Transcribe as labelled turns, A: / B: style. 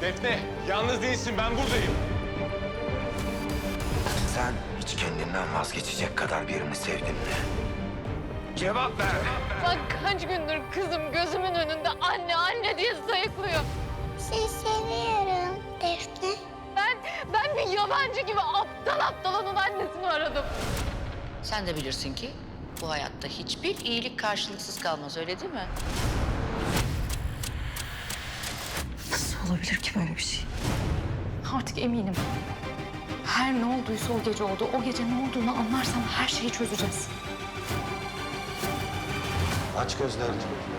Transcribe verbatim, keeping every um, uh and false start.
A: Defne, yalnız değilsin. Ben buradayım.
B: Sen hiç kendinden vazgeçecek kadar birini sevdin mi? Cevap ver.
C: Bak kaç gündür kızım gözümün önünde anne anne diye sayıklıyor.
D: Seni seviyorum Defne.
C: Ben, ben bir yabancı gibi aptal aptal onun annesini aradım.
E: Sen de bilirsin ki bu hayatta hiçbir iyilik karşılıksız kalmaz, öyle değil mi?
F: Nasıl olabilir ki böyle bir şey? Artık eminim. Her ne olduysa o gece oldu. O gece ne olduğunu anlarsam her şeyi çözeceğiz.
B: Aç gözlerini.